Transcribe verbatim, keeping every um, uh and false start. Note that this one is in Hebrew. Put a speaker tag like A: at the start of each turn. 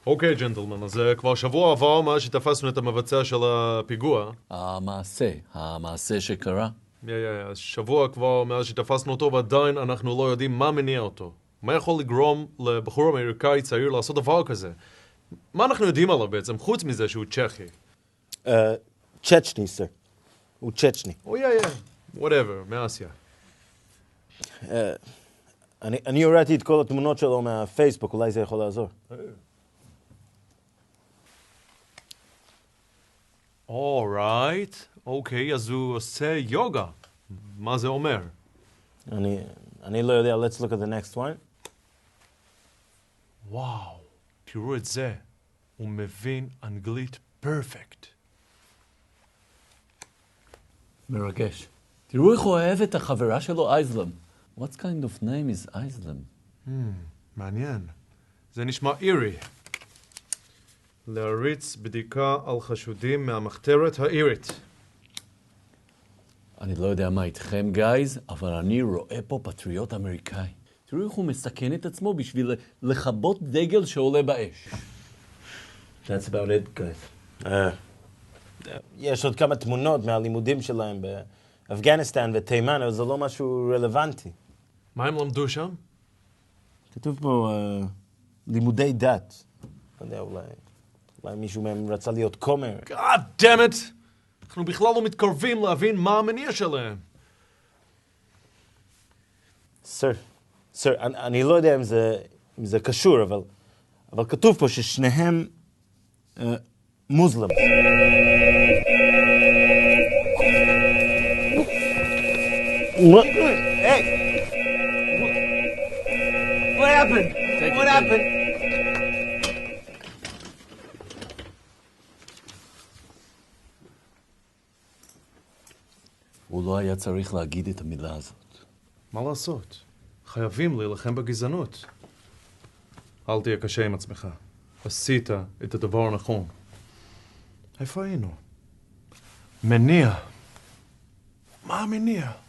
A: אוקיי, ג'נטלמן, אז כבר שבוע עבר מאז שתפסנו את המבצע של הפיגוע.
B: המעשה, המעשה שקרה.
A: יא, יא, יא, שבוע כבר מאז שתפסנו אותו, ועדיין אנחנו לא יודעים מה מניע אותו. מה יכול לגרום לבחור אמריקאי צעיר לעשות דבר כזה? מה אנחנו יודעים עליו בעצם, חוץ מזה שהוא צ'כי?
C: צ'צ'ני, סר. הוא צ'צ'ני.
A: או יא, יא, whatever, מאסיה.
C: אני הראיתי את כל התמונות שלו מהפייסבוק, אולי זה יכול לעזור.
A: אורייט, אוקיי, אז הוא עושה יוגה. מה זה אומר?
C: אני, אני לא יודע, let's look at the next one.
A: וואו, תראו את זה. הוא מבין אנגלית פרפקט.
B: מרגש. תראו איך הוא אוהב את החברה שלו, אייזלם. What kind of name is אייזלם?
A: Hmm, מעניין. זה נשמע אירי. להריץ בדיקה על חשודים מהמחתרת האירית.
B: אני לא יודע מה איתכם, גייז, אבל אני רואה פה פטריוט אמריקאי. תראו איך הוא מסכן את עצמו בשביל לכבות דגל שעולה באש.
C: That's about it, guys. Uh, יש עוד כמה תמונות מהלימודים שלהם באפגניסטן ותימן, אבל זה לא משהו רלוונטי.
A: מה הם למדו שם?
C: כתוב פה uh, לימודי דת. לא יודע, אולי, אולי מישהו מהם רצה להיות כומר.
A: God damn it! אנחנו בכלל לא מתקרבים להבין מה המניע שלהם.
C: סר, סר, אני, אני לא יודע אם זה, אם זה קשור, אבל, אבל כתוב פה ששניהם uh, מוסלמים. What? Hey! What happened?
B: Take
C: What
B: it,
C: happened?
B: הוא לא היה צריך להגיד את המילה הזאת.
A: מה לעשות? חייבים להילחם בגזענות. אל תהיה קשה עם עצמך. עשית את הדבר הנכון. איפה היינו? מניע. מה המניע?